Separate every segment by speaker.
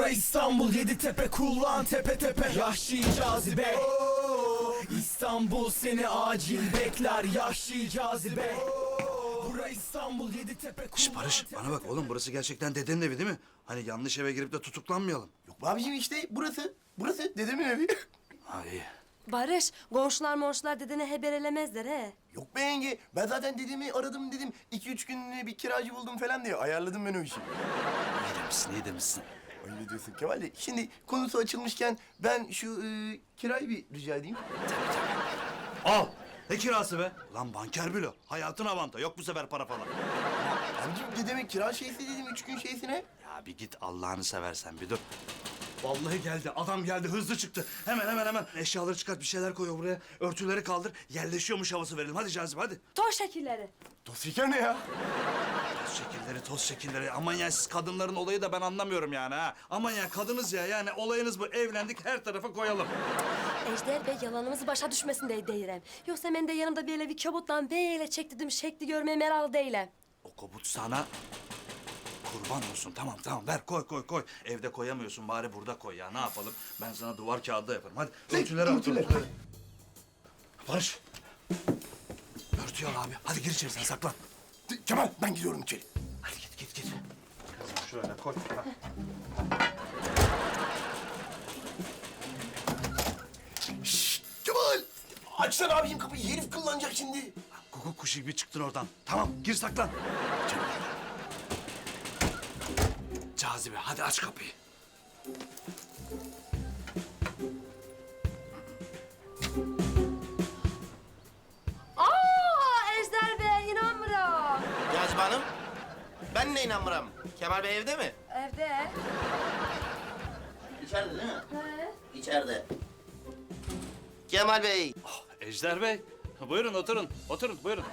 Speaker 1: Bura İstanbul, Yeditepe, kullan tepe tepe. Yahşi cazibe. İstanbul seni acil bekler, yahşi cazibe. Bura İstanbul, Yeditepe, kullan.
Speaker 2: Şş Barış, bana bak oğlum, burası gerçekten dedenin evi değil mi? Hani yanlış eve girip de tutuklanmayalım.
Speaker 3: Yok be abiciğim, işte burası. Burası dedemin evi.
Speaker 2: Ha iyi.
Speaker 4: Barış, komşular dedene haberelemezler he.
Speaker 3: Yok be yenge, ben zaten dedemi aradım dedim. 2-3 günlüğüne bir kiracı buldum falan diye ayarladım ben o işi.
Speaker 2: İyi demişsin, iyi demişsin.
Speaker 3: Öyle diyorsun Kemal de. Şimdi konusu açılmışken ben şu kirayı bir rica edeyim.
Speaker 2: Al. Ne kirası be? Lan banker bile. Hayatın avanta. Yok bu sefer para falan.
Speaker 3: Abiciğim dedemin kira şeysi dedim 3 gün şeysine.
Speaker 2: Ya bir git Allah'ını seversen bir dur. Vallahi geldi. Adam geldi. Hızlı çıktı. Hemen. Eşyaları çıkart. Bir şeyler koy buraya. Örtüleri kaldır. Yerleşiyormuş havası verelim. Hadi Cazibe hadi.
Speaker 4: Toz şekilleri.
Speaker 3: Toz şeker ne ya?
Speaker 2: Toz şekilleri. Aman ya siz kadınların olayı da ben anlamıyorum yani ha. Aman ya kadınız ya. Yani olayınız bu. Evlendik her tarafa koyalım.
Speaker 4: Ejder Bey yalanımızı başa düşmesin diye deyirəm. Yoksa ben de yanımda böyle bir kabutla böyle çektirdim şekli görmeye meraklı değilim.
Speaker 2: O kabut sana kurban olsun. Tamam ver koy. Evde koyamıyorsun bari burada koy ya. Ne yapalım? Ben sana duvar kağıdı yaparım. Hadi örtüleri al.
Speaker 3: örtüler.
Speaker 2: Barış. Örtüyü al abi. Hadi gir içeri sen saklan.
Speaker 3: Kemal ben gidiyorum içeri.
Speaker 2: Hadi git. Kızım şöyle koy.
Speaker 3: Kemal! Açsana abiciğim kapıyı, herif kullanacak şimdi.
Speaker 2: Kuku kuşu gibi çıktın oradan. Tamam gir saklan. Cazibe hadi aç kapıyı.
Speaker 4: Ejder Bey inanmıyorum.
Speaker 5: Cazibe Hanım, ben de inanmıram. Kemal Bey evde mi?
Speaker 4: Evde.
Speaker 5: İçeride değil mi?
Speaker 4: He.
Speaker 5: İçeride. Kemal Bey,
Speaker 2: Ejder Bey. Buyurun oturun buyurun.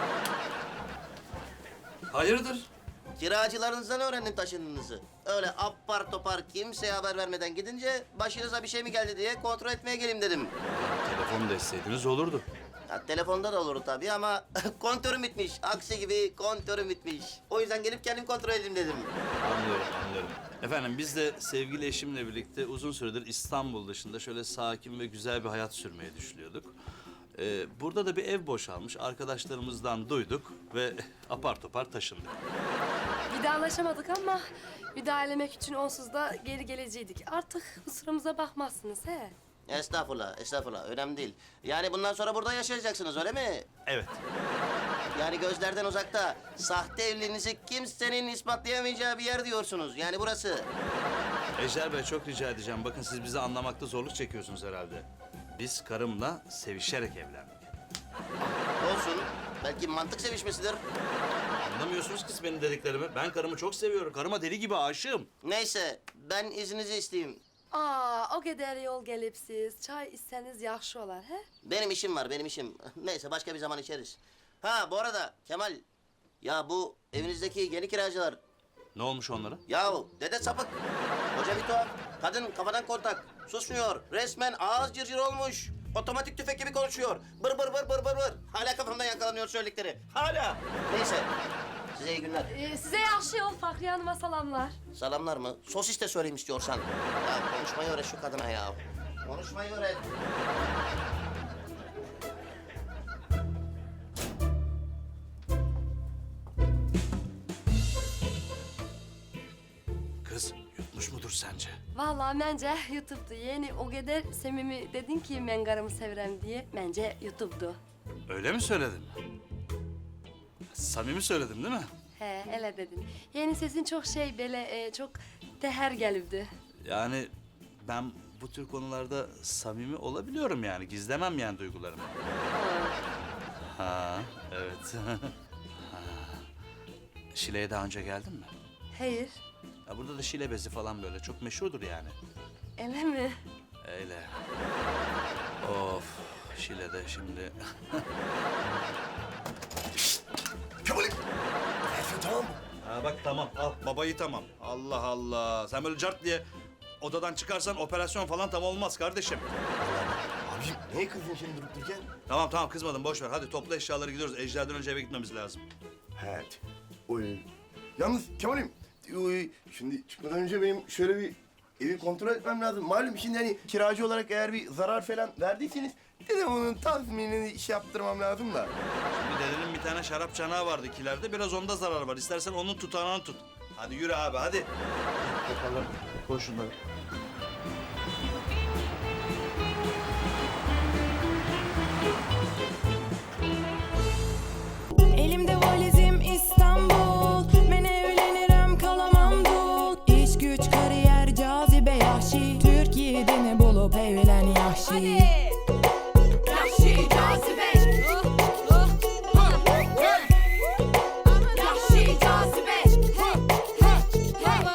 Speaker 2: Hayırdır?
Speaker 5: kiracılarınızdan öğrendim taşındığınızı. Öyle apar topar kimseye haber vermeden gidince başınıza bir şey mi geldi diye kontrol etmeye geleyim dedim.
Speaker 2: Telefonu da isteydiniz olurdu.
Speaker 5: Ya, telefonda da olur tabii ama kontörüm bitmiş. Aksi gibi kontörüm bitmiş. O yüzden gelip kendim kontrol edeyim dedim.
Speaker 2: Anlıyorum. Efendim biz de sevgili eşimle birlikte uzun süredir İstanbul dışında şöyle sakin ve güzel bir hayat sürmeyi düşünüyorduk. Burada da bir ev boşalmış. Arkadaşlarımızdan duyduk ve apar topar taşındık.
Speaker 4: Vidalaşamadık ama vidalemek için onsuz da geri geleceydik. Artık kusurumuza bakmazsınız he.
Speaker 5: Estağfurullah. Önemli değil. Yani bundan sonra burada yaşayacaksınız öyle mi?
Speaker 2: Evet.
Speaker 5: Yani gözlerden uzakta, sahte evliliğinizi kimsenin ispatlayamayacağı bir yer diyorsunuz. Yani burası.
Speaker 2: Ejder Bey çok rica edeceğim. Bakın siz bizi anlamakta zorluk çekiyorsunuz herhalde. Biz karımla sevişerek evlendik.
Speaker 5: Olsun. Belki mantık sevişmesidir.
Speaker 2: Anlamıyorsunuz ki siz benim dediklerimi. Ben karımı çok seviyorum. Karıma deli gibi aşığım.
Speaker 5: Neyse, ben izninizi isteyeyim.
Speaker 4: O kadar yol gelip siz çay içseniz yaxşı olar he?
Speaker 5: Benim işim var, benim işim. Neyse, başka bir zaman içeriz. Ha, bu arada Kemal, ya bu evinizdeki yeni kiracılar,
Speaker 2: Ne olmuş onlara?
Speaker 5: yahu dede sapık. Hoca bir tuhaf, kadın kafadan kontak, susmuyor. Resmen ağız cırcır olmuş. Otomatik tüfek gibi konuşuyor. Bır. Hala kafamdan yakalanıyor söyledikleri. Hala. Neyse, size iyi günler.
Speaker 4: Size yaxşı yol Fakriye Hanım'a salamlar.
Speaker 5: Salamlar mı? Sosis de söyleyeyim istiyorsan. Ya konuşmayı öğret şu kadına ya. Konuşmayı öğret.
Speaker 2: Kız yutmuş mudur sence?
Speaker 4: Vallahi bence YouTube'du. Yeni o kadar samimi dedin ki ben karımı sevirem diye. Bence YouTube'du.
Speaker 2: Öyle mi söyledin? Samimi söyledim değil mi?
Speaker 4: He, öyle dedin. Yeni sesin çok böyle çok teher gelibdi.
Speaker 2: Yani ben bu tür konularda samimi olabiliyorum yani. Gizlemem yani duygularımı. Ha, evet. Ha. Şile'ye daha önce geldin mi?
Speaker 4: Hayır,
Speaker 2: Ya burada da Şile bezi falan böyle çok meşhurdur yani.
Speaker 4: öyle mi?
Speaker 2: Öyle. Of, Şile'de şimdi.
Speaker 3: Kemal'im! Tamam mı?
Speaker 2: Ha bak tamam, al babayı tamam. Allah Allah. Sen böyle cart diye odadan çıkarsan operasyon falan tam olmaz kardeşim.
Speaker 3: Abiciğim neye kızdın şimdi durup dururken?
Speaker 2: Tamam kızmadım boş ver. Hadi topla eşyaları gidiyoruz. Ejder'den önce eve gitmemiz lazım.
Speaker 3: Evet. Oy. Yalnız Kemal'im, şimdi çıkmadan önce benim şöyle bir evi kontrol etmem lazım. Malum şimdi hani kiracı olarak eğer bir zarar falan verdiyseniz bir de bunun tazminini iş yaptırmam lazım da.
Speaker 2: Bir dedenin bir tane şarap çanağı vardı kilerde. Biraz onda zarar var. İstersen onun tutanağını tut. Hadi yürü abi hadi. Bakalım. Koy şunları.
Speaker 6: Elimde valizim İstanbul. Ben evlenirim kalamam dul. İş güç kariyer cazibe yahşi. Türkiye'de ne bulup evlen yahşi.